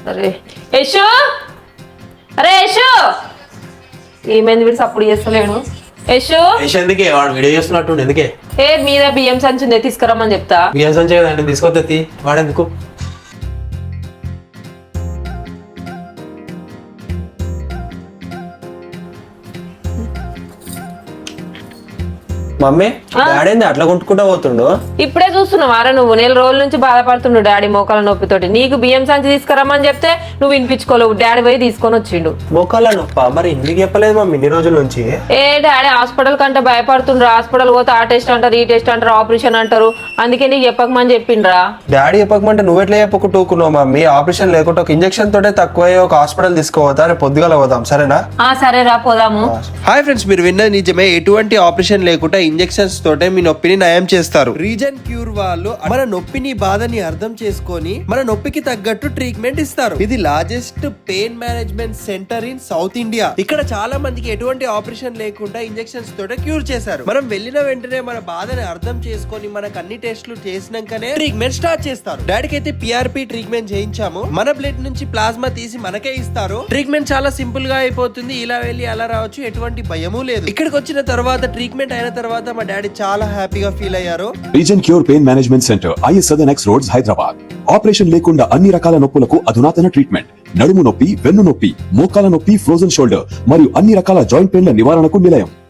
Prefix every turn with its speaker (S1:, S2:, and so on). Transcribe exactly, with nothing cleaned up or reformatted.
S1: అరే యశు, అరే యశు, ఏమైంది వీడు సప్పుడు చేస్తలేడు? యశు
S2: ఎందుకే వాడు వీడియో చేస్తున్నట్టు ఎందుకే?
S1: ఏ మీద బియ్యం సంచి ఉంది తీసుకురమ్మని చెప్తా.
S2: బియ్యం సంచి కదండి తీసుకోద్ది వాడెందుకు? మమ్మీ డాడీ అట్లా కొట్టుకుంటా పోతుండు.
S1: ఇప్పుడే చూస్తున్నావు అరే నువ్వు నెల రోజుల నుంచి బాధపడుతుండు డాడీ మోకాల నొప్పితోటి. నీకు బియ్యం సంచి తీసుకురమ్మని చెప్తే నువ్వు వినిపించుకోలేవు, డాడీ పోయి తీసుకొని వచ్చిండు.
S2: మోకాల నొప్ప మరి ఎందుకు చెప్పలేదు మమ్మీ ఇన్ని రోజుల నుంచి?
S1: ఏ డాడీ హాస్పిటల్ కంటే భయపడుతుండ్రు. హాస్పిటల్ పోతే ఆ టెస్ట్ అంటారు, ఈ టెస్ట్ అంటారు, ఆపరేషన్ అంటారు. అందుకే నీకు చెప్పకమని చెప్పిండ్రా.
S2: డాడీ చెప్పకమంటే నువ్వు ఎట్లా చెప్పకుంటున్నావు మమ్మీ? ఆపరేషన్ లేకుండా ఒక ఇంజక్షన్ తోటే తక్కువ ఒక హాస్పిటల్ తీసుకోవద్దా? రేపు పొద్దుగాల పోదాం సరేనా?
S1: ఆ సరేరా పోదాము.
S2: హాయ్ ఫ్రెండ్స్, మీరు విన్నది నిజమే. ఎటువంటి ఆపరేషన్ లేకుండా ఇంజెక్షన్స్ తోటే మీ నొప్పిని నయం చేస్తారు. రీజన్ క్యూర్ వాళ్ళు మన నొప్పిని బాధని అర్థం చేసుకొని మన నొప్పికి తగ్గట్టు ట్రీట్మెంట్ ఇస్తారు. ఇది largest pain management centre in South India. ఇక్కడ చాలా మందికి ఎటువంటి ఆపరేషన్ లేకుండా ఇంజెక్షన్స్ తోటే క్యూర్ చేశారు. మనం వెళ్ళిన వెంటనే మన బాధని అర్థం చేసుకొని మనకు అన్ని టెస్టులు చేసినాకనే ట్రీట్మెంట్ స్టార్ట్ చేస్తారు. డాడీకి అయితే పిఆర్పి ట్రీట్మెంట్ చేయించాము. మన బ్లడ్ నుంచి ప్లాస్మా తీసి మనకే ఇస్తారు. ట్రీట్మెంట్ చాలా సింపుల్ గా అయిపోతుంది. ఇలా వెళ్ళి అలా రావచ్చు, ఎటువంటి భయము లేదు. ఇక్కడికి వచ్చిన తర్వాత ట్రీట్మెంట్ అయిన తర్వాత మా డాడీ చాలా హ్యాపీగా ఫీల్ అయ్యారు.
S3: Reason cure pain management centre, IS Sadan X roads, Hyderabad. Operation లేకుండా అన్ని రకాల నొప్పులకు అధునాతన ట్రీట్మెంట్. నడుము నొప్పి, వెన్ను నొప్పి, మోకాల నొప్పి, ఫ్రోజన్ షోల్డర్ మరియు అన్ని రకాల జాయింట్ పెయిన్ల నివారణకు నిలయం.